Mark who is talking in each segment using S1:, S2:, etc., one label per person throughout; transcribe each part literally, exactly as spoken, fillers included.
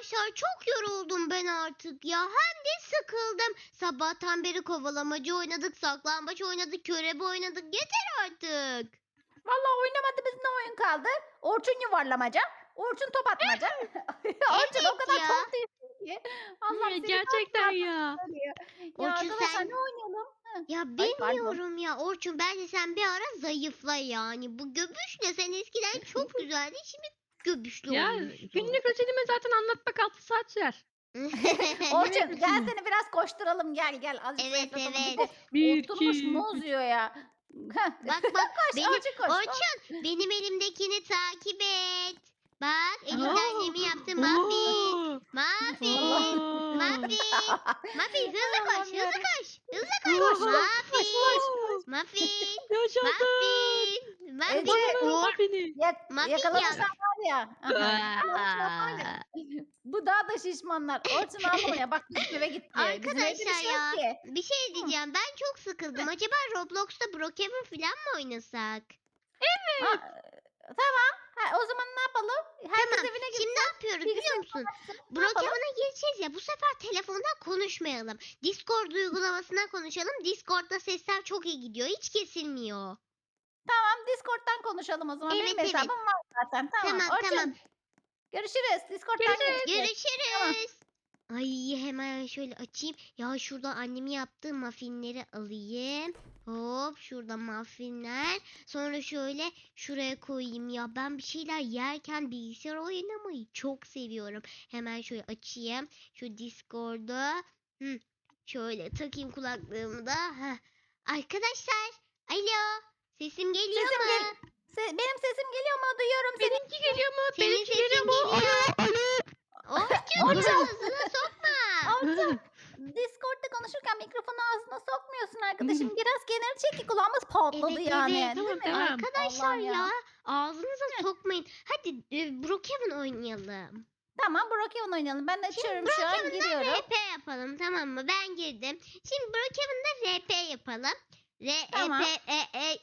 S1: Arkadaşlar çok yoruldum ben artık ya. Hem de sıkıldım. Sabahtan beri kovalamacı oynadık, saklambaç oynadık, körebe oynadık. Yeter artık.
S2: Vallahi oynamadığımız ne oyun kaldı? Orçun yuvarlamaca, Orçun top atmaca. Orçun o
S1: Evet
S2: kadar
S1: ya.
S2: çok değişti ki. Allah'ım
S3: Ya,
S2: seni
S3: gerçekten
S2: ne
S3: ya.
S2: söylüyor. Ya
S1: Orçun
S2: arkadaşlar
S1: sen
S2: ne oynayalım? Hı.
S1: ya
S2: Ay pardon.
S1: bilmiyorum ya Orçun, bence sen bir ara zayıfla yani. Bu göbüşle sen eskiden çok güzeldin, şimdi göbüşlü
S3: Ya
S1: olmuşsun.
S3: günlük rutinimi zaten anlatmak altı saat sürer.
S2: Orçun gel seni biraz koşturalım gel gel. Azıcık
S1: Evet,
S2: zayıflatalım.
S1: evet.
S2: Bir de
S3: Bir,
S2: oturmuş
S3: iki,
S2: muz yiyor ya. Heh.
S1: Bak bak
S2: Koş
S1: benim
S2: Orçun koş.
S1: Orçun benim elimdekini takip et. Bak elimde
S3: Aa,
S1: annemi yaptım muffin.
S3: oo,
S1: Muffin.
S3: oo.
S1: Muffin. Muffin hızlı koş,
S2: Allah'ım
S1: hızlı
S2: yarabbim.
S1: koş. Hızlı koş.
S3: Koş,
S1: Muffin. Muffin.
S3: Yaşasın.
S1: Muffin. Muffin.
S2: Ece,
S3: Bana ver
S1: Oh,
S3: muffini.
S2: Yak
S1: muffin
S2: yakalanırsan
S1: yap.
S2: var ya. Aha, yakalanırsan var ya.
S1: Aa.
S2: Bu daha da şişmanlar. Orçun ağlamaya bak bizim eve gitti. Bizim evde bir
S1: Arkadaşlar
S2: şey yok
S1: ya
S2: ki.
S1: bir şey
S2: Hı.
S1: diyeceğim. Ben çok sıkıldım. Acaba Roblox'ta Brookhaven falan mı oynasak?
S2: Ha, tamam. Ha, o zaman ne yapalım? Herkes
S1: Tamam.
S2: evine
S1: Şimdi
S2: gitsin.
S1: ne yapıyoruz biliyor
S2: Bilgisayar
S1: musun?
S2: kapatsın. Ne yapalım?
S1: Brookhaven'a gireceğiz ya. Bu sefer telefondan konuşmayalım. Discord uygulamasından konuşalım. Discord'da sesler çok iyi gidiyor. Hiç kesilmiyor.
S2: Tamam Discord'dan konuşalım o zaman.
S1: Evet,
S2: Benim
S1: evet.
S2: hesabım var zaten. Tamam.
S1: Tamam,
S2: Orçun
S1: tamam.
S2: görüşürüz. Discord'dan
S3: Görüşürüz.
S2: görüşürüz. Tamam.
S1: Görüşürüz. Ay hemen şöyle açayım. Ya şurada annemin yaptığı muffinleri alayım. Hop şurada muffinler. Sonra şöyle şuraya koyayım ya. Ben bir şeyler yerken bilgisayar oynamayı çok seviyorum. Hemen şöyle açayım. Şu Discord'u. Hı. Şöyle takayım kulaklığımı da. Heh. Arkadaşlar. Alo. Sesim geliyor
S2: Sesim
S1: mu?
S2: gel Se- benim sesim geliyor mu? Duyuyorum seni.
S3: Benimki geliyor mu?
S1: Senin
S3: Benimki
S1: sesin
S3: geliyor mu?
S1: geliyor.
S3: Alo, alo.
S1: Orçun
S2: Orçun.
S1: ağzına sokma.
S2: Orçun. Discord'da konuşurken mikrofonu ağzına sokmuyorsun arkadaşım. Biraz kenara çek ki kulağımız patladı
S1: Evet,
S2: yani.
S1: evet.
S2: Değil
S3: Tamam,
S2: mi?
S3: tamam.
S1: Arkadaşlar
S2: Allah'ım
S1: ya.
S2: ya.
S1: Ağzınıza sokmayın. Hadi e, Brookhaven oynayalım.
S2: Tamam Brookhaven oynayalım. Ben açıyorum şu an
S1: Brookhaven'da
S2: giriyorum.
S1: R P yapalım, tamam mı? Ben girdim. Şimdi Brookhaven'da R P yapalım.
S2: Tamam.
S1: R P e, e,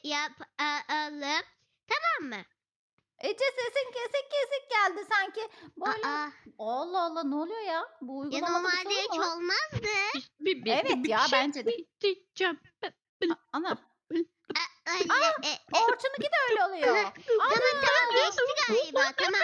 S1: yapalım. Tamam mı?
S2: Ece sesin kesik kesik geldi sanki. Böyle
S1: Aa,
S2: Allah Allah ne oluyor ya? Bu
S1: ya
S2: uygulamada bir
S1: normalde
S2: sorun
S1: hiç
S2: mu var?
S1: olmazdı.
S3: Bir, bir,
S2: Evet
S3: bir
S2: ya,
S3: şey
S2: bence de.
S3: diyeceğim.
S2: A- Ana.
S1: A- öyle, e, e,
S2: Orçun'unki de öyle oluyor.
S1: tamam tamam geçti galiba. Tamam.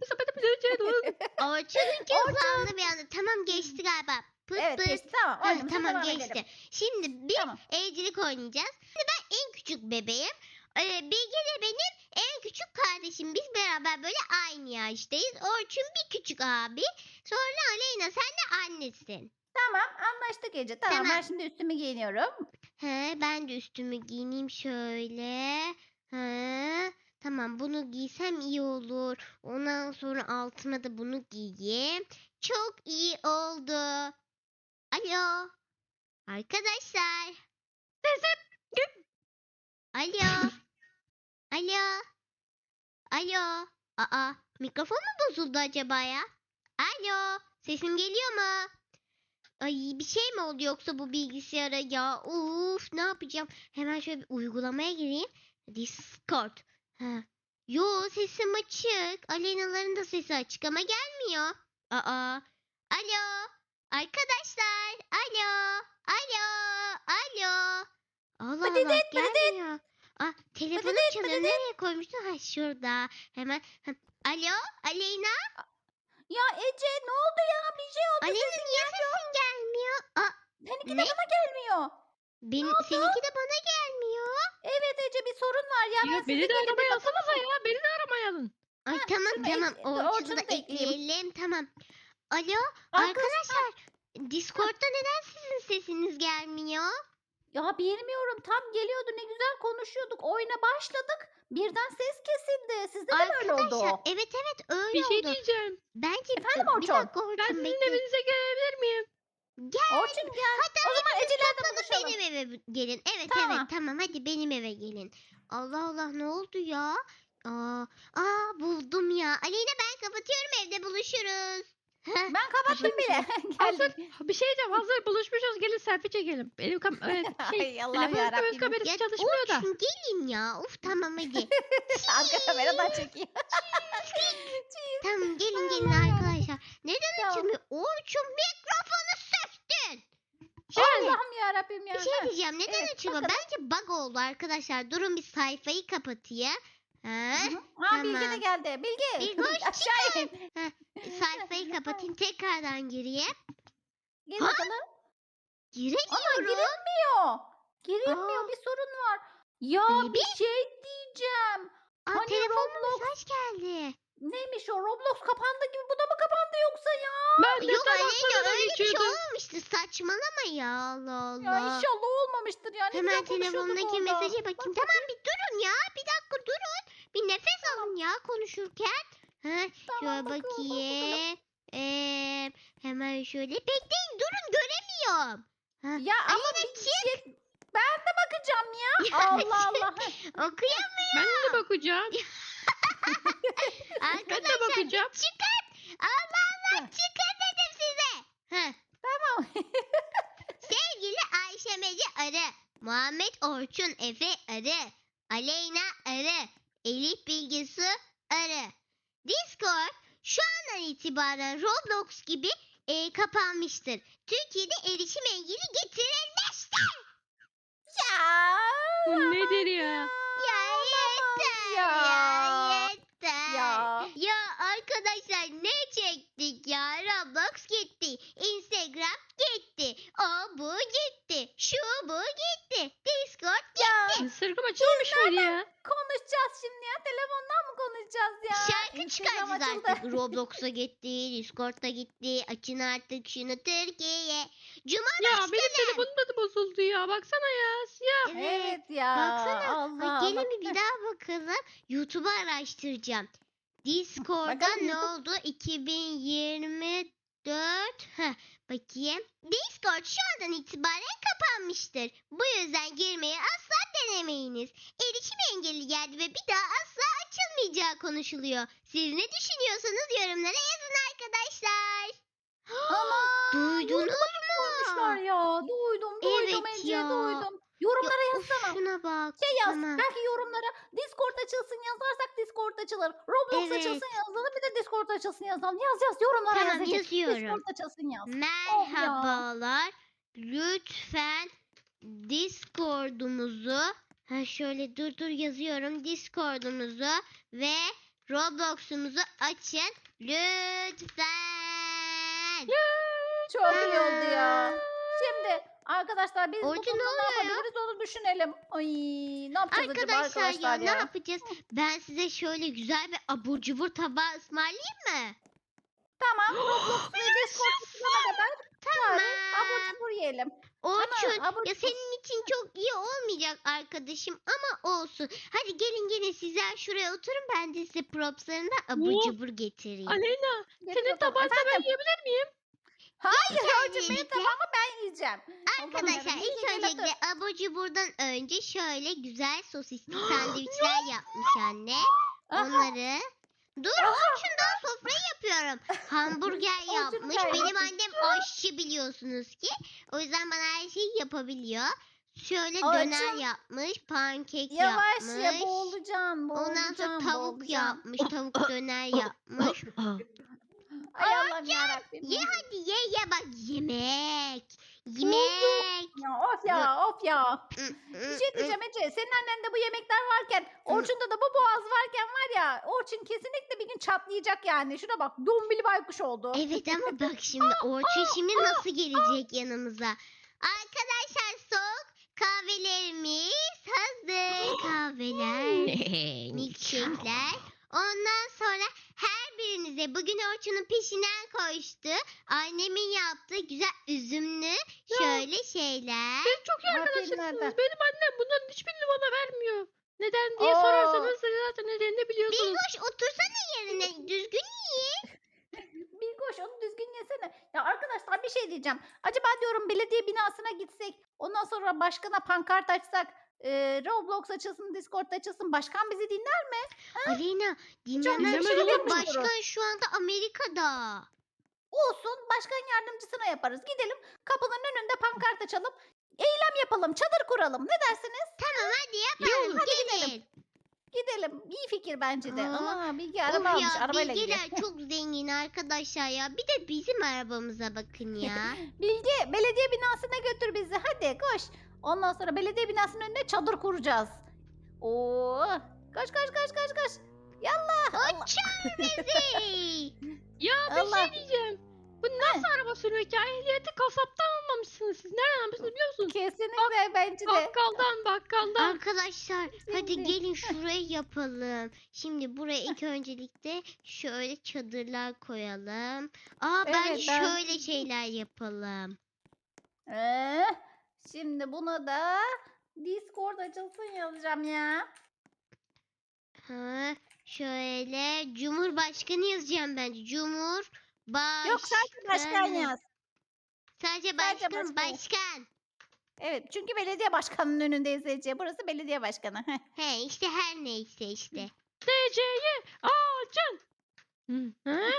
S1: Orçun'unki hızlandı bir anda. Tamam geçti galiba. Pıt
S2: Evet
S1: pıt.
S2: geçti tamam.
S1: Ha,
S2: Oyunumuza
S1: tamam
S2: devam
S1: geçti.
S2: edelim.
S1: Şimdi bir
S2: Tamam.
S1: evcilik oynayacağız. Şimdi ben en küçük bebeğim. Ee, Bilge de benim en küçük kardeşim. Biz beraber böyle aynı yaştayız. Orçun bir küçük abi. Sonra Aleyna sen de annesin.
S2: Tamam anlaştık Ece. Tamam,
S1: Tamam.
S2: ben şimdi üstümü giyiniyorum.
S1: He, ben de üstümü giyineyim şöyle. He, tamam bunu giysem iyi olur. Ondan sonra altıma da bunu giyeyim. Çok iyi oldu. Alo. Arkadaşlar. Alo. Alo. Alo. Aa, mikrofon mu bozuldu acaba ya? Alo. Sesim geliyor mu? Ay bir şey mi oldu yoksa bu bilgisayara ya? Uf ne yapacağım? Hemen şöyle bir uygulamaya gireyim. Discord. Ha. Yo sesim açık. Aleyna'ların da sesi açık ama gelmiyor. Aa. Alo. Arkadaşlar. Alo. Alo. Alo. Allah
S2: Patates,
S1: Allah
S2: patates.
S1: gelmiyor. Ah telefonum
S2: Patates,
S1: çalıyor.
S2: patates.
S1: Nereye koymuştun? Ha şurada. Hemen. Ha. Alo. Aleyna.
S2: Ya Ece ne oldu ya? Bir şey oldu.
S1: Aleyna
S2: Sesin
S1: niye sesin gelmiyor? Aa,
S2: Seninki
S1: ne?
S2: de bana gelmiyor.
S1: benim, seninki de bana gelmiyor.
S2: Evet Ece bir sorun var ya. Ben
S3: Ya beni de
S2: sizinkine bir
S3: aramaya
S2: bakamadım.
S3: alsanıza ya. Beni de aramaya alın.
S1: Ay
S2: Heh,
S1: tamam
S2: şunu
S1: tamam.
S2: ek-
S1: Orçun'u
S2: Orçun'u
S1: da
S2: da ekleyeyim.
S1: ekleyelim. Tamam. Alo
S2: Arkadaşlar.
S1: arkadaşlar. Discord'da neden sizin sesiniz gelmiyor?
S2: Ya bilmiyorum tam geliyordu ne güzel konuşuyorduk. Oyuna başladık. Birden ses kesildi. Sizde de mi öyle
S1: Arkadaşlar
S2: oldu?
S1: evet evet öyle
S3: Bir şey
S1: oldu.
S3: diyeceğim.
S1: Bence
S2: Efendim
S1: bir
S2: Orçun?
S1: dakika
S3: Ben
S1: Orçun
S3: sizin
S1: bekle.
S3: evinize gelebilir miyim?
S1: Gel.
S2: Orçun gel.
S1: Hatta
S2: O zaman
S1: hepiniz
S2: Ece'lerle
S1: toplanıp
S2: buluşalım.
S1: benim eve gelin. Evet
S2: Tamam.
S1: evet tamam hadi benim eve gelin. Allah Allah ne oldu ya? Aa, aa buldum ya. Aleyna ben kapatıyorum, evde buluşuruz. Heh,
S2: Ben kapattım bile.
S3: Hazır.
S2: Geldim.
S3: Bir şey diyeceğim. Hazır buluşmuşuz. Gelin selfie çekelim. Benim kam evet, şey,
S2: Ay Allah'ım
S3: telefonun kamerası,
S2: yarabbim.
S3: kamerası
S1: ya
S3: çalışmıyor da.
S1: Orçun gelin ya. Uf tamam hadi.
S2: Arka kameradan çekiyor.
S1: Tamam gelin gelin
S2: Allah.
S1: arkadaşlar. Neden
S2: ya.
S1: açılmıyor. Orçun mikrofonu söktün. Şöyle
S2: Allah'ım yarabbim ya.
S1: bir şey
S2: Heh.
S1: diyeceğim. Neden
S2: Evet,
S1: açılmıyor?
S2: bakalım.
S1: Bence bug oldu arkadaşlar. Durun bir sayfayı kapatayım. Ha,
S2: Hı hı. Ha Bilge de
S1: tamam.
S2: geldi. Bilge.
S1: Bilgoş,
S2: Aşağı in.
S1: sayfayı kapatayım. Tekrardan gireyim.
S2: Gel
S1: Ha?
S2: bakalım. Ama
S1: Giremiyorum.
S2: girilmiyor. Girilmiyor.
S1: Aa.
S2: Bir sorun var. Ya
S1: Baby.
S2: bir şey diyeceğim.
S1: Aa,
S2: Hani
S1: telefonuma
S2: Roblox
S1: mesaj geldi.
S2: neymiş o? Roblox kapandı gibi. Bu da mı kapandı yoksa ya?
S3: Ben de
S1: Yok
S3: tam
S1: Aleyna
S3: aklımdan
S1: öyle bir şey
S3: geçiyordum.
S1: olmamıştı. Saçmalama ya, Allah
S2: Ya
S1: Allah.
S2: inşallah olmamıştır yani. Ne
S1: Hemen
S2: güzel konuşuyorduk
S1: telefondaki
S2: orada.
S1: mesaja bakayım. Tamam bir durun ya. Bir dakika durun. Bir nefes alın ya konuşurken. Ha,
S2: Tamam,
S1: şöyle
S2: bakalım, bakalım.
S1: bakayım. Ee, hemen şöyle. Bekleyin durun göremiyorum. Ha,
S2: Ya ama
S1: Aleyna
S2: bir
S1: çık.
S2: şey... Ben de bakacağım ya. Allah Allah.
S1: Okuyamıyorum.
S3: Ben de bakacağım. Ben de
S1: Arkadaşlar
S3: bakacağım.
S1: çıkın. Allah Allah
S2: Heh.
S1: çıkın dedim size. Heh.
S2: Tamam.
S1: Sevgili Ayşe Mece arı. Muhammed Orçun Efe arı. Aleyna arı. Elif Bilgisu arı. Discord şu andan itibaren Roblox gibi e, kapanmıştır. Türkiye'de erişim engeli getirilmiştir.
S2: Ya.
S3: Bu nedir ya?
S1: Ya yeter ya,
S2: ya.
S1: yeter.
S2: Ya.
S1: Ya arkadaşlar ne çektik ya? Roblox gitti. Instagram gitti. O bu gitti. Şu bu gitti. Discord
S2: Ya.
S3: Instagram açılmamış mıydı ya?
S2: Konuşacağız şimdi ya. Telefondan mı konuşacağız ya?
S1: şarkı
S2: Instagram
S1: çıkaracağız
S2: açıldı.
S1: artık. Roblox'a gitti. Discord'a gitti. Açın artık şunu Türkiye. Cuma
S3: Ya
S1: başkanı.
S3: benim telefonum da bozuldu ya. Baksana ya. Siyah.
S2: Evet ya.
S1: Baksana.
S2: Allah
S1: Ay, gelin
S2: Allah.
S1: bir, bir daha bakalım. YouTube'u araştıracağım. Discord'da
S2: Bakalım
S1: ne
S2: YouTube-
S1: oldu? iki bin yirmi dört. Heh, bakayım. Discord şu andan itibaren kapanmıştır. Bu yüzden girmeyi asla denemeyiniz. Erişim engelli geldi ve bir daha asla açılmayacağı konuşuluyor. Siz ne düşünüyorsanız yorumlara yazın arkadaşlar.
S2: Aman.
S1: Duydunuz
S2: Konuşlar
S1: mu?
S2: ya. Duydum duydum
S1: Evet
S2: Ece
S1: ya.
S2: duydum. Yorumlara
S1: Ya, of,
S2: yazsana.
S1: şuna bak.
S2: Şey yaz.
S1: Tamam.
S2: Belki yorumlara Discord açılsın yazarsak Discord açılır. Roblox
S1: Evet.
S2: açılsın yazalım. Bir de Discord açılsın yazalım. Yaz yaz yorumlara
S1: Tamam,
S2: yaz Ece.
S1: yazıyorum.
S2: Discord açılsın yaz.
S1: Merhabalar. Lütfen Discord'umuzu ha şöyle dur dur yazıyorum. Discord'umuzu ve Roblox'umuzu açın lütfen.
S2: Çok iyi oldu ya.
S1: Tamam.
S2: Şimdi arkadaşlar biz bu
S1: Orçun,
S2: konuda
S1: ne
S2: ne
S1: oluyor ya?
S2: yapabiliriz onu düşünelim. Ay ne yapacağız acaba
S1: Arkadaşlar ya
S2: arkadaşlar
S1: ne
S2: ya?
S1: yapacağız? Ben size şöyle güzel bir abur cubur tabağı ısmarlayayım mı?
S2: Tamam Roblox ve Discord açılana kadar
S1: Tamam.
S2: bari abur cubur yiyelim.
S1: Orçun
S2: abur
S1: ya
S2: cubur.
S1: senin için çok iyi olmayacak arkadaşım ama olsun. Hadi gelin gelin sizler şuraya oturun ben de size propslarından abur
S3: Oo.
S1: cubur getireyim.
S3: Aleyna.
S2: Getir
S3: Senin
S2: bakalım.
S3: tabağında ben
S2: Efendim?
S3: yiyebilir miyim?
S2: Hayır
S1: İlk
S2: Orçun benim
S1: öncelikle-
S2: tabağımı ben yiyeceğim.
S1: Arkadaşlar
S2: Allah'ım
S1: ilk
S2: yarabbim, gel
S1: öncelikle abur cuburdan önce şöyle güzel sosisli sandviçler yapmış anne.
S2: Aha.
S1: Onları dur Orçun'dan sofra yapıyorum. Hamburger
S2: Orçun
S1: yapmış.
S2: gel
S1: Benim
S2: bakayım.
S1: annem aşçı biliyorsunuz ki. O yüzden bana her şeyi yapabiliyor. Şöyle
S2: Orçun.
S1: döner yapmış, pankek
S2: Yavaş
S1: yapmış.
S2: ya boğulacaksın
S1: Ondan sonra
S2: boğulacaksın
S1: tavuk
S2: boğulacaksın.
S1: yapmış, tavuk döner yapmış.
S2: Ay Allah'ım yarabbim.
S1: Ye hadi ye ye bak yemek. Yemek.
S2: Ya of ya of ya.
S1: Mm,
S2: Bir
S1: mm,
S2: şey
S1: mm.
S2: diyeceğim Ece. Senin annende bu yemekler varken Orçun'da da bu boğaz varken var ya Orçun kesinlikle bir gün çatlayacak yani. Şuna bak dombili baykuş oldu.
S1: Evet ama bak şimdi Orçun şimdi nasıl gelecek yanımıza? Arkadaşlar soğuk kahvelerimiz hazır. Kahveler, milkshake'ler. Ondan sonra her birinize bugün Orçun'un peşinden koştu. Annemin yaptığı güzel üzümlü şöyle şeyler.
S3: Siz çok iyi
S2: Aferin
S3: arkadaşlarsınız.
S2: Arda.
S3: Benim annem bunların hiçbirini bana vermiyor. Neden diye
S2: Oo.
S3: sorarsanız zaten nedenini biliyorsunuz.
S1: Bilgoş otursana yerine düzgün yiyin.
S2: Bilgoş onu düzgün yesene. Ya arkadaşlar bir şey diyeceğim. Acaba diyorum belediye binasına gitsek ondan sonra başkana pankart açsak e, Roblox açılsın Discord açılsın başkan bizi dinler mi?
S1: Aleyna dinlemez
S3: güzel
S1: çünkü
S2: olmuş
S1: başkan şu anda Amerika'da.
S2: Olsun başkan yardımcısına yaparız. Gidelim kapının önünde pankart açalım. Eylem yapalım çadır kuralım ne dersiniz?
S1: Tamam hadi
S3: İyi
S1: yapalım
S3: olur.
S2: Hadi
S1: gelin.
S2: gidelim. Gidelim. İyi fikir bence de.
S1: Aa,
S2: Ana Bilge
S1: Of
S2: araba almış.
S1: ya
S2: Arabayla gidiyor.
S1: bilgiler çok zengin arkadaşlar ya. Bir de bizim arabamıza bakın ya.
S2: Bilge belediye binasına götür bizi. Hadi koş. Ondan sonra belediye binasının önüne çadır kuracağız. Oo! Koş koş koş koş koş. Yallah. Allah.
S1: Uçur bizi.
S3: Ya bir
S2: Allah.
S3: şey diyeceğim. Bu nasıl araba sürmek ya? Ehliyeti kasaptan almamışsınız siz. Nereden almışsınız biliyor musun?
S2: Kesinlikle bence de.
S3: Bakkaldan bakkaldan.
S1: Arkadaşlar hadi
S2: Şimdi.
S1: gelin şurayı yapalım. Şimdi buraya ilk öncelikle şöyle çadırlar koyalım. Aa
S2: Evet,
S1: bence
S2: ben-
S1: şöyle şeyler yapalım.
S2: Ee, şimdi buna da Discord açılsın yazacağım ya.
S1: Ha, şöyle Cumhurbaşkanı yazacağım bence. Cumhur
S2: Yok sadece başkan yaz.
S1: Sadece
S2: Sadece
S1: başkan,
S2: başkan.
S1: başkan.
S2: Evet çünkü belediye başkanının önündeyiz Ece. Burası belediye başkanı. Heh.
S1: He işte her neyse işte.
S3: D C'yi açın. Hı, hı.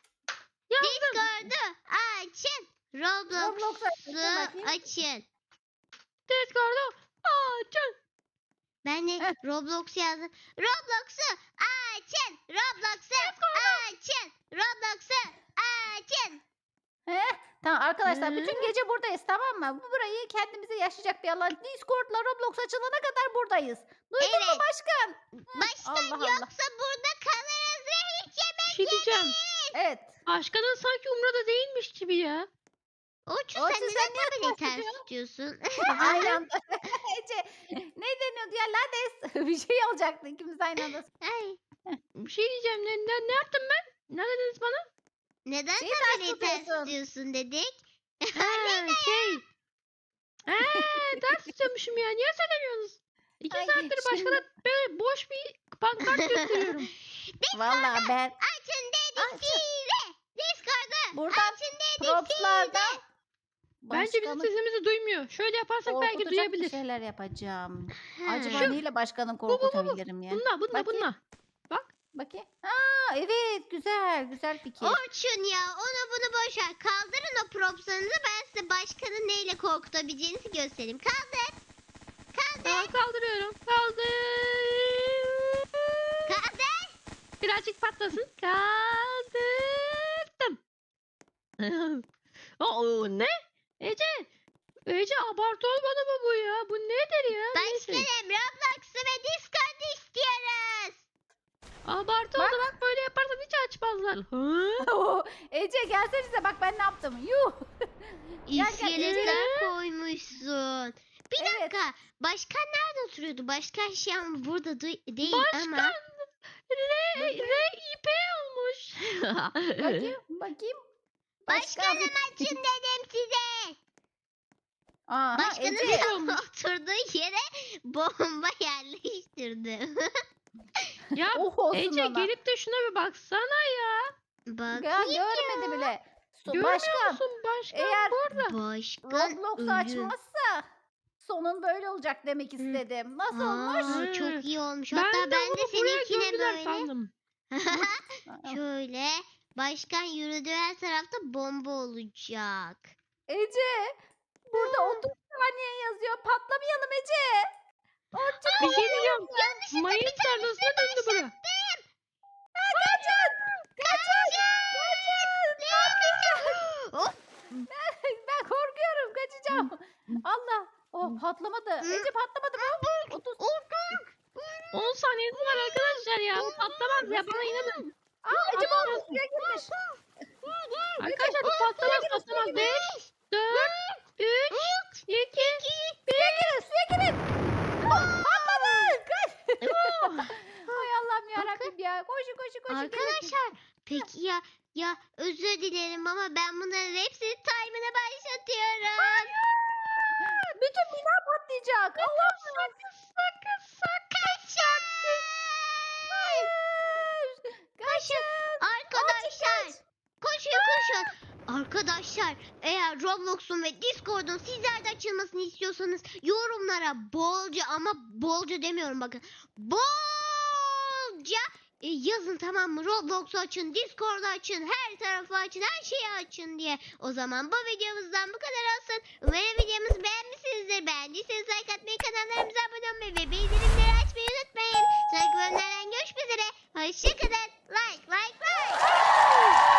S1: Discord'u açın.
S2: Roblox'u
S1: Roblox'u
S2: açın bakayım.
S1: açın.
S3: Discord'u açın.
S1: Ben de
S2: Heh.
S1: Roblox yazdım. Roblox'u açın. Roblox'u açın. Roblox'u açın.
S2: Heh, tamam arkadaşlar
S3: Hı.
S2: bütün gece buradayız tamam mı? Bu burayı kendimize yaşayacak bir alan. Discord'la Roblox açılana kadar buradayız. Duydun mu
S1: Evet.
S2: başkan?
S1: Başkan
S2: Allah Allah.
S1: yoksa burada kalırız ve hiç
S3: Bir
S1: yemek
S3: şey diyeceğim.
S2: Evet.
S3: Başkanın sanki umrada değilmiş gibi ya.
S1: Orçun
S2: Orçun,
S1: sen
S2: sen
S1: neden
S2: niye
S1: tableti
S2: ters
S1: ters
S2: tutuyorsun?
S1: tutuyorsun?
S2: Aynı anda. Ece ne deniyordu ya lades? Bir şey olacaktı ikimiz aynı anda.
S1: Ay,
S3: Bir şey diyeceğim. Ne, ne, ne yaptım ben? Ne dediniz bana?
S1: neden
S2: Şeyi ters
S1: tableti ters
S2: tutuyorsun.
S1: tutuyorsun dedik.
S3: Ha, şey. Eee ders tutuyormuşum ya. Niye söylemiyorsunuz? İki
S2: Ay,
S3: saattir
S2: şimdi-
S3: başkana böyle boş bir pankart gösteriyorum.
S2: Vallahi ben
S1: Açın dedik
S2: Açın.
S1: size. Discord'u
S2: buradan
S1: açın dedik
S2: propslardan
S3: Bence bizim
S2: başkanı
S3: sesimizi duymuyor. Şöyle yaparsak belki
S2: korkutacak bir
S3: duyabilir.
S2: şeyler yapacağım.
S1: size.
S2: Acaba
S3: Şu-
S2: neyle başkanı
S3: bu, bu, bu.
S2: korkutabilirim ya?
S3: Bununla bununla
S2: Bakayım.
S3: bununla.
S2: Bakayım. Aa evet güzel güzel fikir.
S1: Orçun ya onu bunu boş ver. Kaldırın o propslarınızı ben size başkanın neyle korkutabileceğinizi göstereyim. Kaldır.
S3: Tamam kaldırıyorum. Kaldır.
S1: Kaldır.
S3: Birazcık patlasın. Kaldırdım. Oo, ne? Ece. Ece abartı olmadı mı bu ya? Bu nedir ya? Neyse.
S1: Başkanım Roblox'u ve Discord'u istiyoruz.
S3: Abartı oldu bak böyle yaparsan hiç açmazlar. Hı?
S2: Ece gelsenize bak ben ne yaptım. Yuh. Gel, gel,
S1: İskeletler koymuşsun. Bir
S2: Evet.
S1: dakika. Başkan nerede oturuyordu? Başkan şu an burada du- değil
S3: Başkan
S1: ama.
S3: R, R I P olmuş.
S2: Bakayım bakayım.
S1: Başkanım açın dedim size.
S2: Aha,
S1: Başkanın
S2: Ece.
S1: oturduğu yere bomba yerleştirdim.
S3: Ya
S2: Oh olsun
S3: Ece
S2: ona.
S3: gelip de şuna bir baksana ya.
S1: Bak
S2: Ya görmedi bile. So-
S3: Görmüyor
S2: başkan
S3: musun başkan
S2: eğer
S3: burada?
S1: başkan
S2: Roblox
S1: ölü.
S2: açmazsa sonun böyle olacak demek istedim. Nasıl olmuş?
S1: Aa,
S3: Hı.
S1: çok iyi olmuş.
S3: Ben
S1: Hatta
S3: de
S1: ben de
S3: bunu buraya
S1: seninkine
S3: gömdüler
S1: böyle.
S3: sandım.
S1: Şöyle başkan yürüdüğü her tarafta bomba olacak.
S2: Ece burada otuz saniye yazıyor. Patlamayalım Ece. Orçun
S3: Bir şey diyeceğim.
S1: Yanlışlıkla
S3: Mayın
S1: bir tanesini
S3: tarlasına döndü bura.
S2: kaçın. Kaçın. Kaçın.
S1: Hop.
S2: Ben korkuyorum. Kaçacağım. Allah. Oh patlamadı. Ece patlamadı mı? otuz.
S3: on saniyesi var arkadaşlar ya. Bu patlamaz ya bana inanın.
S2: Aa Ece bu suya girmiş.
S3: Arkadaşlar bu patlamaz patlamaz. beş, dört, üç, iki,
S2: Suya girin suya girin. Oh, patladı. Kaç. Hay Allah'ım yarabbim ya. Koşun koşun koşun. gelin.
S1: Arkadaşlar peki ya ya özür dilerim ama ben bunların hepsini timer'a başlatıyorum.
S2: Bütün bina patlayacak. Allah
S3: sakın sakın sakın.
S2: Hayır. Kaçın.
S1: Arkadaşlar koşun koşun. Arkadaşlar eğer Roblox'un ve Discord'un sizlerde açılmasını istiyorsanız yorumlara bolca ama bolca demiyorum bakın. Bolca e, yazın tamam mı? Roblox'u açın, Discord'u açın, her tarafı açın, her şeyi açın diye. O zaman bu videomuzdan bu kadar olsun. Umarım videomuzu beğenmişsinizdir. Beğendiyseniz like atmayı, kanallarımıza abone olmayı ve bildirimleri açmayı atmayı unutmayın. Sonraki bölümlerden görüşmek üzere. Hoşçakalın. Like like like.